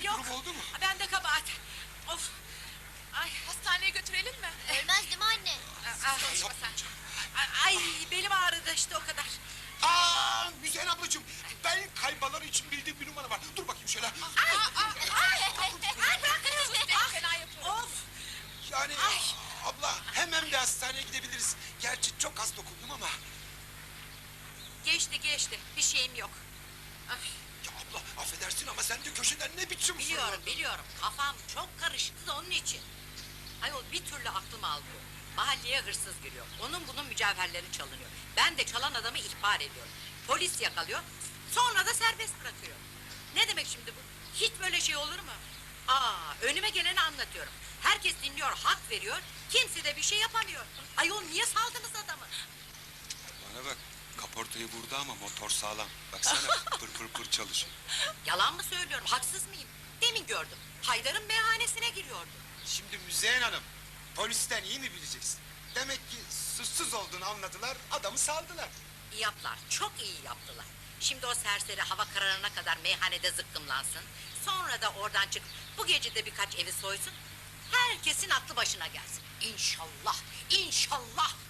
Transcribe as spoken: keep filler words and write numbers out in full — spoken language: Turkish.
bir Yok. durum oldu mu? Ben de kabahat. Of. Ay, Hastaneye götürelim mi? Ölmez değil mi anne? ah, Konuşma sen. ay belim ağrıdı işte o kadar. Aa, Müzeyyen ablacığım, ben kaybalar için bildiğim bir numara var. Dur bakayım şöyle. Ay, ay, ay bırakın. Sus be, fena yapıyorum. Of. Yani abla hemen bir hastaneye gidebiliriz. Gerçi çok az dokundum ama. Geçti geçti. Bir şeyim yok. Ay, Ya abla affedersin ama sen de köşeden ne biçim biliyorum fırladın? biliyorum. Kafam çok karıştı da onun için. Ayol bir türlü aklım almıyor. Mahalleye hırsız giriyor. Onun bunun mücevherleri çalınıyor. Ben de çalan adamı ihbar ediyorum. Polis yakalıyor. Sonra da serbest bırakıyor. Ne demek şimdi bu? Hiç böyle şey olur mu? Aa, önüme geleni anlatıyorum. Herkes dinliyor, hak veriyor. Kimse de bir şey yapamıyor. Ayol niye saldınız adamı? Bana bak, kaportayı vurdu ama motor sağlam. Baksana pır pır pır çalışıyor. Yalan mı söylüyorum, haksız mıyım? Demin gördüm. Haydar'ın meyhanesine giriyordu. Şimdi Müzeyyen Hanım, polisten iyi mi bileceksin? Demek ki suçsuz olduğunu anladılar, adamı saldılar. İyi yaptılar, çok iyi yaptılar. Şimdi o serseri hava kararına kadar meyhanede zıkkımlansın. Sonra da oradan çık, bu gece de birkaç evi soysun. Herkesin aklı başına gelsin. İnşallah, inşallah.